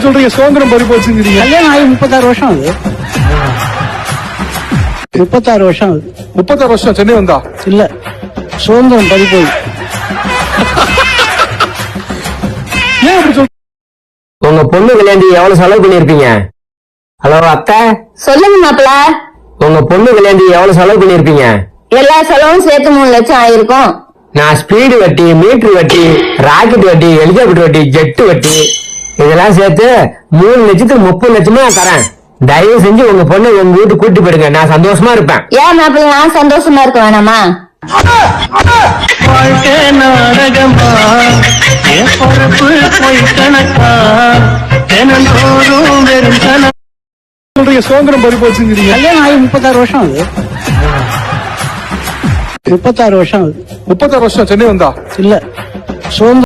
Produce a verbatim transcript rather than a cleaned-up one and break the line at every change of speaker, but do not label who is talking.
சொல்றீங்க சுதந்திரம் பறி போச்சுங்கிறீங்க?
கல்யாணம் ஆகி முப்பத்தாறு வருஷம் ஆகுது. முப்பத்தாறு வருஷம் ஆகுது.
முப்பத்தாறு வருஷம் சென்னை வந்தா
இல்ல, சுதந்திரம் பறி போய்.
ஏன் அப்படி சொல்ற?
உங்க பொண்ணு கல்யாண்டி எவ்வளவு செலவு பண்ணிருப்பீங்க? ஹலோ அக்கா,
சொல்லுங்க மாப்பிள.
உங்க பொண்ணு கல்யாண்டி எவ்வளவு செலவு பண்ணிருப்பீங்க?
எல்லா செலவும் சேர்த்து மூணு லட்சம் ஆயிருக்கும்.
நான் ஸ்பீடு வட்டி, மீட்டர் வட்டி, ராக்கெட் வட்டி, ஹெலிகாப்டர் வட்டி, ஜெட்டு வட்டி இதெல்லாம் சேர்த்து மூணு லட்சத்துக்கு முப்பது லட்சமா நான் தரேன். தயவு செஞ்சு உங்க பொண்ணு உங்க வீட்டுக்கு கூட்டி போயிடுங்க, நான் சந்தோஷமா இருப்பேன்.
ஏன் மாப்பிள்ள நான் சந்தோஷமா இருக்க வேணாமா?
வாழ்க்கை நாடகமா, என் பொறுப்பு போய் கணக்கா, தினந்தோறும் வெறும் கணக்கா.
சொல்றீங்க சுதந்திரம் பறி போச்சுங்கிறீங்க?
கல்யாணம் ஆகி முப்பத்தாறு வருஷம் ஆகுது. முப்பத்தாறு வருஷம் ஆகுது.
முப்பத்தாறு வருஷம் சென்னை வந்தா
இல்ல, சுதந்திரம்